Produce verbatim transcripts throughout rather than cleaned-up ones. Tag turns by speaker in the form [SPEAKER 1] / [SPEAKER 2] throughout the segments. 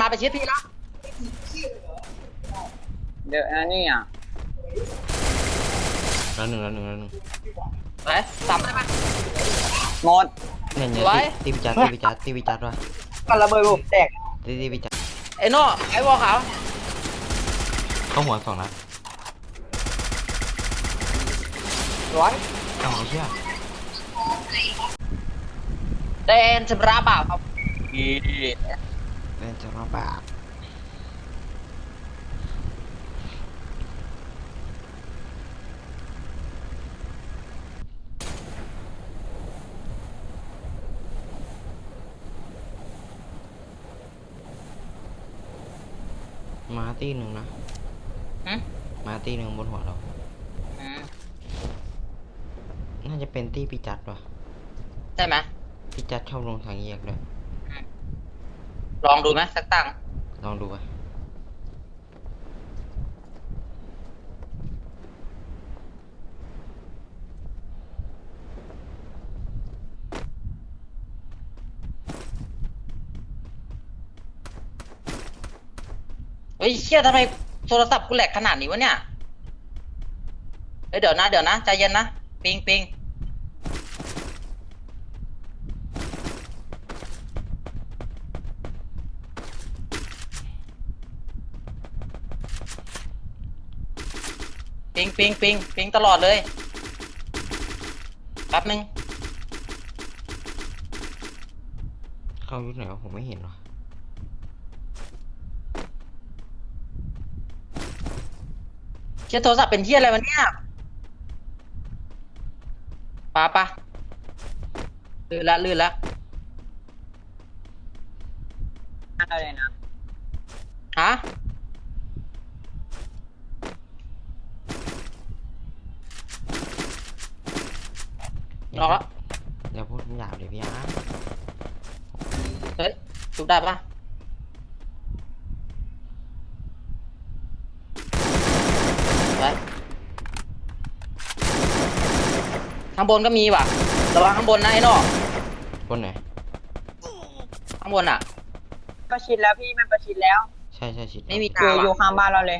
[SPEAKER 1] มาไปชิดพี่แล้ว
[SPEAKER 2] เดี๋ยวอันนี้อ่ะ
[SPEAKER 3] แล้วหนึ่งแล้วหนึ่งแล้วหนึ่ง
[SPEAKER 1] ไปสามได้ไหม
[SPEAKER 2] หมด
[SPEAKER 3] เนี่ยเนี่ยตีพิจัดตีพิจัดตีพิจัดวะ
[SPEAKER 2] กันระเบิดผมแตก
[SPEAKER 3] ตีตีพิจัด
[SPEAKER 1] ไอ้โน่ไอ้วอลขาว
[SPEAKER 3] เข้าหัวสองนัด
[SPEAKER 2] ร้อย
[SPEAKER 3] เอาเชื่อ
[SPEAKER 1] เดนจะราบาครับ
[SPEAKER 3] เล่นจะราบามาตีหนึ่งนะมาตีหนึ่งบนหัวเราน่าจะเป็นตีพิจัดวะ
[SPEAKER 1] ใช่ไหม
[SPEAKER 3] พิจัดชอบลงทางแยกเลย
[SPEAKER 1] ลองดูไหมสักตั้ง
[SPEAKER 3] ลองดูไป
[SPEAKER 1] เฮ้ยเชี่ยทำไมโทรศัพท์กูแหลกขนาดนี้วะเนี่ยเฮ้ยเดี๋ยวนะเดี๋ยวนะใจเย็นนะปิงปิงปิงปิงปิงปิงตลอดเลยแป๊บนึง
[SPEAKER 3] เข้ายุคไหนวะผมไม่เห็นหรอ
[SPEAKER 1] เชี่ยโทรศัพท์เป็นเชี่ยอะไรวะเนี่ยปะปะลื่นละลื่นละ
[SPEAKER 2] อะไรนะ
[SPEAKER 1] ฮะรอละ
[SPEAKER 3] อย่าพูดหยาบเลยพี่อาร์
[SPEAKER 1] เฮ้ยจุดได้ปะไปข้างบนก็มีว่ะระวังข้างบนนะไอ้นอก
[SPEAKER 3] บนไหน
[SPEAKER 1] ข้างบนอ่ะ
[SPEAKER 2] ประชิดแล้วพี่มันประชิดแล้ว
[SPEAKER 3] ใช่ใช่ชิด
[SPEAKER 1] ไม่มี
[SPEAKER 2] อยู่อยู่ข้างบ้านเราเลย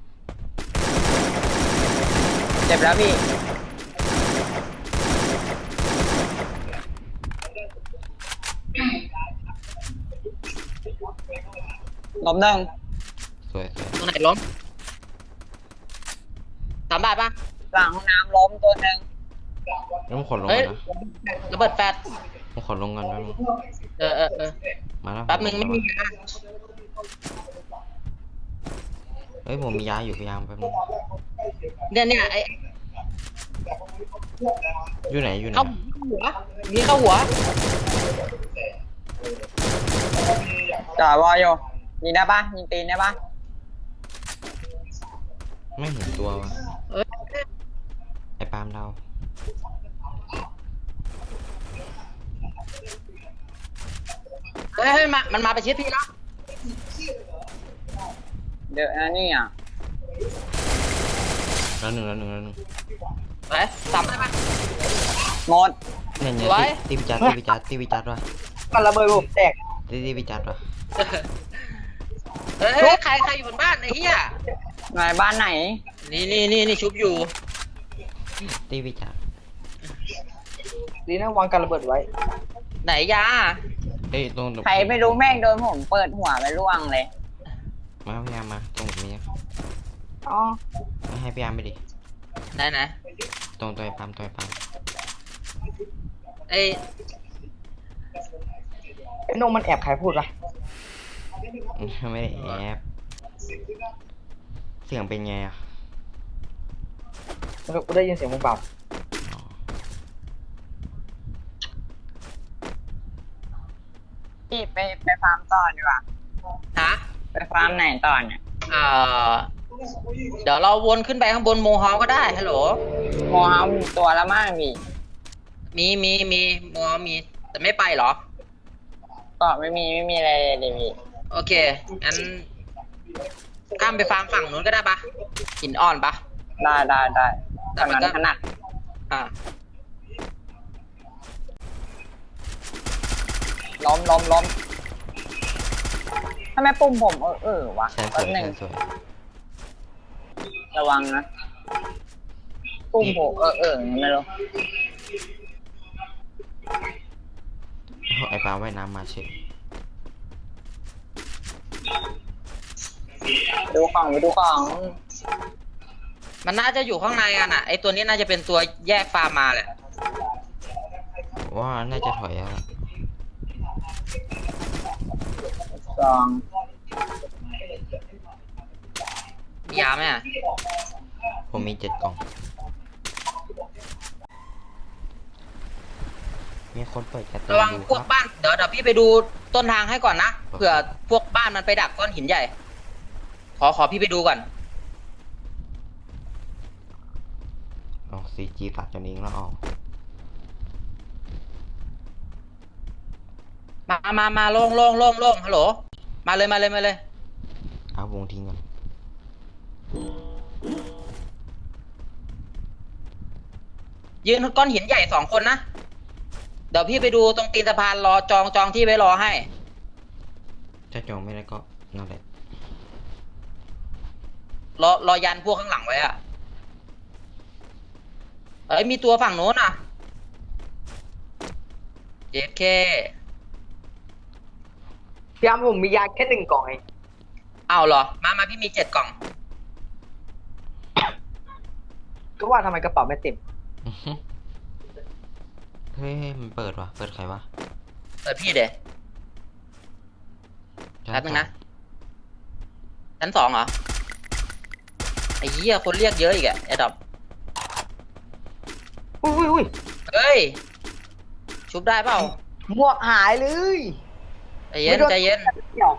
[SPEAKER 2] เจ็บแล้วพี่ล้มหนึ่ง
[SPEAKER 3] สวยสวย
[SPEAKER 1] ตรงไหนล้มสามบาทปะ
[SPEAKER 2] หลังห้องน้ำล้มตัวหนึ่ง
[SPEAKER 3] แล้วผมขอลงกันนะ
[SPEAKER 1] ระเบิดแฟด
[SPEAKER 3] ผมขอลงกันแป๊บนึง
[SPEAKER 1] เออเออเออ
[SPEAKER 3] มาแล้ว
[SPEAKER 1] แป๊บนึงไม่มียา
[SPEAKER 3] เฮ้ยผมมียาอยู่พยายามแป๊บนึง
[SPEAKER 1] เนี่ยเนี่ยไอ
[SPEAKER 3] อยู่ไหนอยู่ไหน
[SPEAKER 1] เข้าหัวมีเข้าหัว
[SPEAKER 2] จ่าวออยู่ยิงได้ปะยิงตีนได้ปะ
[SPEAKER 3] ไม่เห็นตัววะไอ้ปาล์มเรา
[SPEAKER 1] เฮ้ยเฮ้ยมามันมาไปชิดพี่แล้ว
[SPEAKER 2] เดี๋ยวอันนี้อ่ะ
[SPEAKER 3] แล้วหนึ่งแล้วหนึ่งแล้วหนึ่ง
[SPEAKER 1] ไปสามได้ไหม
[SPEAKER 2] หมด
[SPEAKER 3] เนี่ยเนี่ยตีพิจัดตีพิจัดตีพิจัดวะ
[SPEAKER 2] กันระเบิดผมแตก
[SPEAKER 3] ตีตีพิจัดวะ
[SPEAKER 1] เฮ้ยใครใครอยู่บนบ้านไอ้เหี้ย
[SPEAKER 2] ไหนบ้านไหน
[SPEAKER 1] นี่นี่นี่นี่ชุบอยู่
[SPEAKER 3] ตีพิจัด
[SPEAKER 2] ดีนะวางกันระเบิดไว้
[SPEAKER 1] ไหนยา
[SPEAKER 3] เอ้ยตรง
[SPEAKER 2] ใครไม่รู้แม่งโดนผมเปิดหัวไปร่วงเลย
[SPEAKER 3] มาพยายามมาตรงนี้
[SPEAKER 2] อ๋อ
[SPEAKER 3] ไม่ให้พยายามไปดิ
[SPEAKER 1] ไหนไหน
[SPEAKER 3] ตรงตัวไอ้ปาล์มตัวไอ้ปาล์ม
[SPEAKER 1] ไอ้
[SPEAKER 2] ไอ้นงมันแอบใครพูดวะ
[SPEAKER 3] ไม่ได้แอบเสียงเป็นไงอ่ะ
[SPEAKER 2] กูได้ยินเสียงมึงเปล่าพี่ไปไปฟาร์มต่อดีกว่า
[SPEAKER 1] ฮะ
[SPEAKER 2] ไปฟาร์มไหนต่อเนี่ย
[SPEAKER 1] เอ่อเดี๋ยวเราวนขึ้นไปข้างบนโมฮอลก็ได้ฮัลโหล
[SPEAKER 2] โมฮอลมีตัวละมากมี
[SPEAKER 1] มีมีมีโมฮอลมีแต่ไม่ไปหรอ
[SPEAKER 2] ก็ไม่มีไม่มีอะไรเลยพี่
[SPEAKER 1] โอเคงั้นข้ามไปฟาร์มฝั่งนู้นก็ได้ปะหินอ่อนปะ
[SPEAKER 2] ได้ได้ได้แต่มันถนัด
[SPEAKER 1] อ่า
[SPEAKER 2] ล้มล้มล้มทำไมปุ่มผมเออเออวะ
[SPEAKER 3] แสนส
[SPEAKER 2] แป๊
[SPEAKER 3] ว
[SPEAKER 2] บ
[SPEAKER 3] ย
[SPEAKER 2] หนึ่ง
[SPEAKER 3] แสนสวย
[SPEAKER 2] ระวังนะปุ่มผมเออเออไม่รู้
[SPEAKER 3] ไอ้ปลาว่ายน้ำมาเฉย
[SPEAKER 2] ดูของไปดูของ
[SPEAKER 1] มันน่าจะอยู่ข้างในอ่ะนะไอตัวนี้น่าจะเป็นตัวแยกฟาร์มมาแหละ
[SPEAKER 3] ว่าน่าจะถอยแล้วล่ะ
[SPEAKER 2] สอง
[SPEAKER 1] มียาไหมอ่ะ
[SPEAKER 3] ผมมีเจ็ดกล่อง มีคนเปิดการ์ตูน
[SPEAKER 1] ระวัง
[SPEAKER 3] ดู
[SPEAKER 1] พ
[SPEAKER 3] คว รั
[SPEAKER 1] ก
[SPEAKER 3] บ
[SPEAKER 1] บ้านเดี๋ยวเดี๋ยวพี่ไปดูต้นทางให้ก่อนนะเผื่อพวกบ้านมันไปดักก้อนหินใหญ่ ขอขอพี่ไปดูก่อน
[SPEAKER 3] ออกซีจีตัดจนเองแล้วออก
[SPEAKER 1] มามามาลงลงลงลงฮัลโหลมาเลยมาเลยมาเลย
[SPEAKER 3] เอาวงทิ้งก่อน
[SPEAKER 1] ยืนก้อนหินใหญ่สองคนนะเดี๋ยวพี่ไปดูตรงตีนสะพานรอจองจองที่ไว้รอให้
[SPEAKER 3] ถ้าจองไม่ได้ก็นั่นแหละ
[SPEAKER 1] รอรอยันพวกข้างหลังไว้อะเอ้ยมีตัวฝั่งโน้นอ่ะเจ็ดเค
[SPEAKER 4] พี่อ้ำผมมียาแค่หนึ่งกล่องเอง
[SPEAKER 1] เอาเหรอมามาพี่มีเจ็ดกล่อง
[SPEAKER 4] ก็ว่าทำไมกระเป๋าไม่เต็ม
[SPEAKER 3] อื้อหือเฮ้ยมันเปิดวะเปิดใครวะ
[SPEAKER 1] เปิดพี่เดย แป๊บนึงนะ ชั้นสองเหรอไอ้เหี้ยคนเรียกเยอะอีกอะไอ้ดอก
[SPEAKER 4] อุ้ยอุ้ยอุ้ย
[SPEAKER 1] เฮ้ยชุบได้เปล่า
[SPEAKER 4] หมวกหายเลย
[SPEAKER 1] ใจเย็นใจเย็น
[SPEAKER 4] เดี๋ยว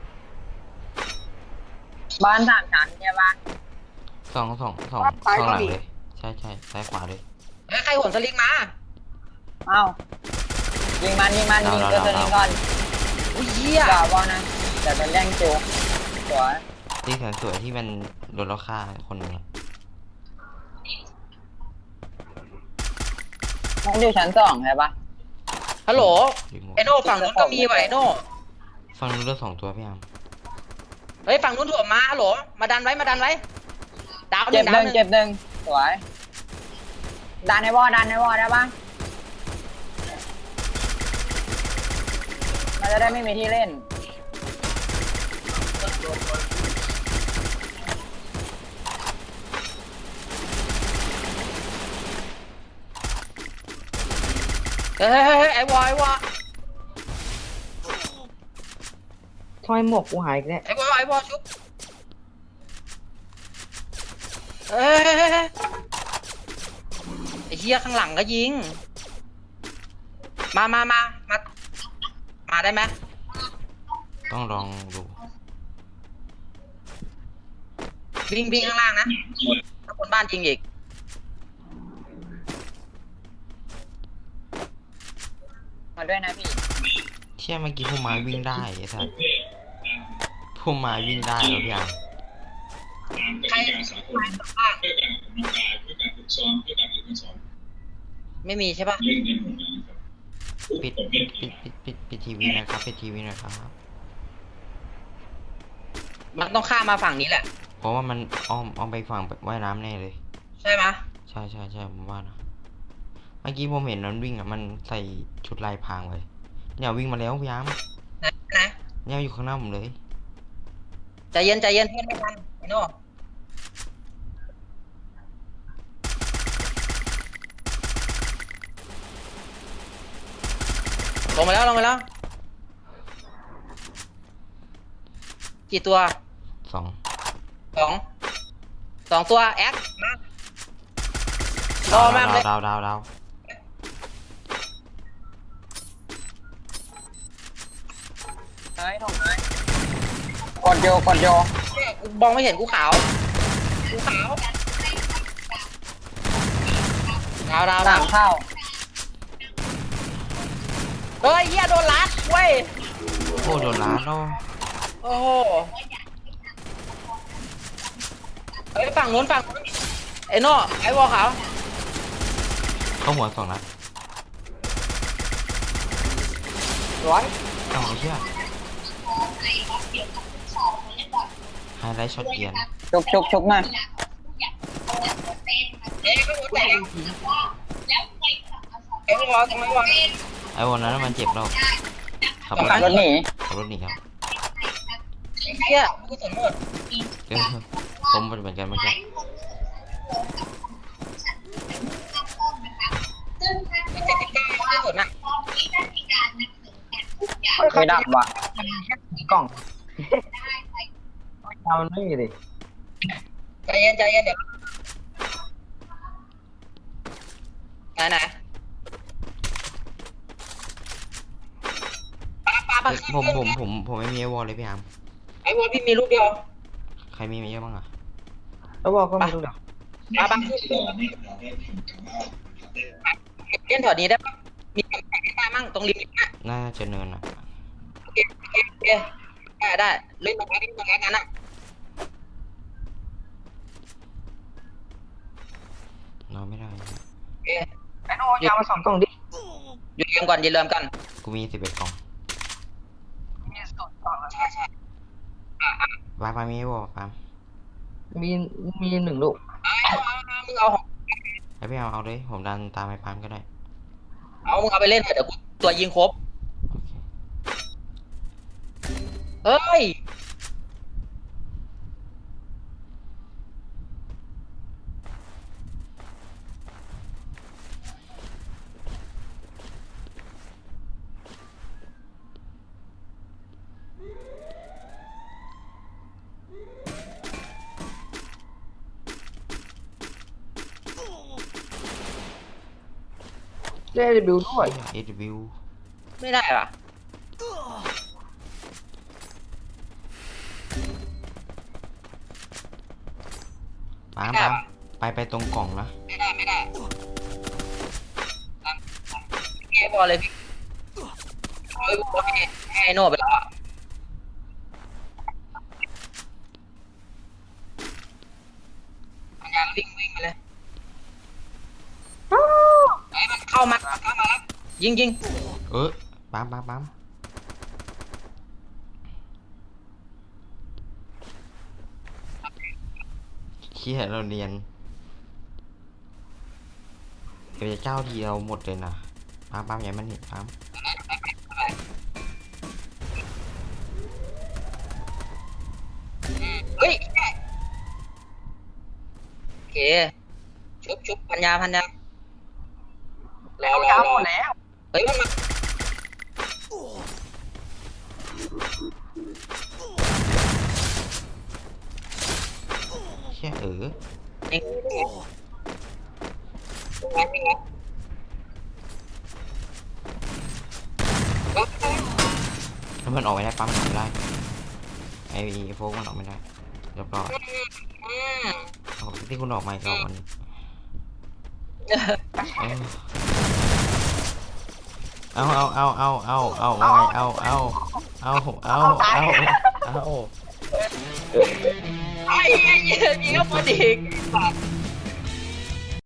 [SPEAKER 2] บ้านสามชั้นใช่ปะ
[SPEAKER 3] สองสองสองสองหลังเลย ใช่ใช่ซ้ายขวาเลย
[SPEAKER 1] เฮ้ยใครโหนสลิงมา
[SPEAKER 2] เอ้ายิงมันยิงมัน
[SPEAKER 3] ดาว
[SPEAKER 2] ยิง
[SPEAKER 3] ดาว
[SPEAKER 2] ตัวส
[SPEAKER 3] ดาว
[SPEAKER 2] ลิงก่อน
[SPEAKER 1] อุ้ยเหี้ย
[SPEAKER 2] ด่าบอลนะเดี๋ยวจะแย่งจูสวย
[SPEAKER 3] ที่แสนสวยที่มันโดนเราฆ่าคนหนึงอะ
[SPEAKER 2] มันอยู่ชั้นสองใช่ปะ
[SPEAKER 1] ฮัลโหล
[SPEAKER 3] รีโมท
[SPEAKER 1] ไอโน่ฝั่งนู้นก็มีว่ะไอโน่
[SPEAKER 3] ฟังนู้นเลือดสองตัวพี่อาม
[SPEAKER 1] เฮ้ยฝั่งนู้นถ่วงมาฮัลโหลมาดันไว้มาดันไว้ดาวห
[SPEAKER 2] เจ็
[SPEAKER 1] นึ่
[SPEAKER 2] บ
[SPEAKER 1] ง
[SPEAKER 2] ห
[SPEAKER 1] ดาวหนึ่ง
[SPEAKER 2] นึ่งเจ็บหนึ่งสวยดันในวอดันในวอได้ปะมันจะได้ไม่มีที่เล่น
[SPEAKER 1] เฮ้ยเฮ้ยเฮ้ยไอวอไอวอ
[SPEAKER 4] ทำไมหมวกกูหายอีกแล้ว
[SPEAKER 1] ไอวอไอวอชุบเฮ้ยเฮ้ยเฮ้ยเฮ้ยไอเหี้ยข้างหลังก็ยิง มามามามา มาได้ไหม
[SPEAKER 3] ต้องลองดู
[SPEAKER 1] วิ่งวิ่งข้างล่างนะถ้าคนบ้านจริงอีก
[SPEAKER 2] มาด้วยนะพี่
[SPEAKER 3] เชี่ยเมื่อกี้พุ่มไม้วิ่งได้ไอ้สัสพุ่มไม้วิ่งได้แล้วพี่อาม
[SPEAKER 1] ใครไม่มีใช่ปะ
[SPEAKER 3] ปิดปิดปิดปิดปิดปิดทีวีหนะครับปิดทีวีหนะครับ
[SPEAKER 1] มันต้องข้ามมาฝั่งนี้แหละ
[SPEAKER 3] เพราะว่ามันอ้อมอ้อมไปฝั่งว่ายน้ำแน่เลย
[SPEAKER 1] ใช่ไหม
[SPEAKER 3] ใช่ใช่ใช่ผมว่านะเมื่อกี้ผมเห็นมันวิ่งอ่ะมันใส่ชุดลายพรางไว้เนี่ยวิ่งมาแล้วพี่อาม
[SPEAKER 1] นะนะ
[SPEAKER 3] เนี่ยอยู่ข้างหน้าผมเลย
[SPEAKER 1] ใจเย็นใจเย็นเพื่อนไม่ทันไอ้โน่ลงมาแล้วลงมาแล้ว กี่ตัว
[SPEAKER 3] สอง
[SPEAKER 1] สองสองตัวแอคมารอมากเลย
[SPEAKER 3] ดาวดาวดาว
[SPEAKER 2] เฮ้ยถ่งเลยกดโยกดโย
[SPEAKER 1] เนี่ยกูมองไม่เห็นกูขาวกูขาวดาวดาว
[SPEAKER 2] ห
[SPEAKER 1] ดา
[SPEAKER 2] ลั
[SPEAKER 1] ว
[SPEAKER 2] งเข้า
[SPEAKER 1] เฮ้ยเหี้ยโดนลัดเว้ย
[SPEAKER 3] โอ้โดนล้านโอ้
[SPEAKER 1] โอ้โหเฮ้ยฝั่งนู้นฝั่งนู้นไอ้โน่ไอ้วอขาว
[SPEAKER 3] เข้าหัวสองนัด
[SPEAKER 4] ร้อย
[SPEAKER 3] เอาไอ้เชี่ยไลท์ช็อตเกียร์
[SPEAKER 2] ชุบชุบชุบหน่อย
[SPEAKER 1] เอ๊ะก็หัวแตกเอ๊ะไม่วอลไม่วอล
[SPEAKER 3] ไอ้วันนั้นมันเจ็บแล้วขับรถ
[SPEAKER 2] ขับรถหนี
[SPEAKER 3] ขับรถหนีครับ
[SPEAKER 1] เฮียกูสนหมด
[SPEAKER 3] เออผมเป็นเหมือนกันเมื่อกี้
[SPEAKER 1] เจ็ดสิบเก้าไม่สนอ่ะ
[SPEAKER 2] ไม่ดับว่ะ
[SPEAKER 4] กล่องเอานี่ดิ
[SPEAKER 1] ใจเย็นใจเย็นเดี๋ยวไหนไหนปาปาปา
[SPEAKER 3] เอ้ยผมผมผมผมไม่มีไอวอลเลยพี่อาร์ม
[SPEAKER 1] ไอ้วอลพี่มีลูกเดียว
[SPEAKER 3] ใครมีมีเยอะบ้างอ่ะ
[SPEAKER 4] แล้วบอกก็ไม่รู้เดี๋ยว
[SPEAKER 1] ปาปาเล่นถอดนี้ได้ปะมีกำแพงได้มั่งตรงริมนี้
[SPEAKER 3] น่าจะเนินอ่ะ
[SPEAKER 1] โอเคโอเคโอเคได้ได้เล่นตรงนี้ตรงนั้นอ่ะ
[SPEAKER 3] นอนไม่ได้
[SPEAKER 1] โอเค
[SPEAKER 4] ไอ้โน้ยามาสองกล่องดิ
[SPEAKER 1] หยุดเริ่มก่อนหยุดเริ่มกัน
[SPEAKER 3] กูมีสิบเอ็ดกล่อง
[SPEAKER 4] มีสองกล่องแล้ว
[SPEAKER 1] ใช่ใช่
[SPEAKER 3] ปาปามีไอวอลปาม
[SPEAKER 4] มีมีหนึ่งลูก
[SPEAKER 1] เอาเอาเอามึงเอาของ
[SPEAKER 3] ไอพี่อาร์มเอาเลยผมดันตามไอปามก็ได้
[SPEAKER 1] เอามึงเอาไปเล่นเถอะเดี๋ยวกูตัวยิงครบ
[SPEAKER 3] โอเค
[SPEAKER 1] เฮ้ย
[SPEAKER 4] ได้รีวิวด้วย
[SPEAKER 3] เอดวิว
[SPEAKER 1] ไม่ได้เหรอ
[SPEAKER 3] ปามปามไปไปตรงกล่องนะ
[SPEAKER 1] ไม่ได้ไม่ได้เกมบอลเลยพี่เอาไอ้บอลให้ให้ไอ้โน่ไปแล้วอะมันยังวิ่งวิ่งไปเลยไอ้มันเข้ามาเข้ามาแล้วยิงยิง
[SPEAKER 3] เออปามปามปามเชี่ยเราเรียนเดี๋ยวจะเจ้าทีเราหมดเลยนะปามปามอย่ามันเห็นปาม
[SPEAKER 1] เฮ้ยโอเคชุบชุบพันยาพันยา
[SPEAKER 4] แล้วยาหมดแล้ว
[SPEAKER 1] เฮ้ยมันมา
[SPEAKER 3] เชี่ยเออ
[SPEAKER 1] เองก็
[SPEAKER 3] แล้วมันออกไม่ได้ปั๊มมันออกไม่ได้ไอ้โฟกมันออกไม่ได้เรียบร้อย
[SPEAKER 1] อืม
[SPEAKER 3] เอาที่คุณออกมาอีกรอบมันเออเอาเอาเอาเอาเอาเอาว่าไงเอาเอาเอาเอาเอาเอา
[SPEAKER 1] ไอ้เหี้ยยิงก็พอดี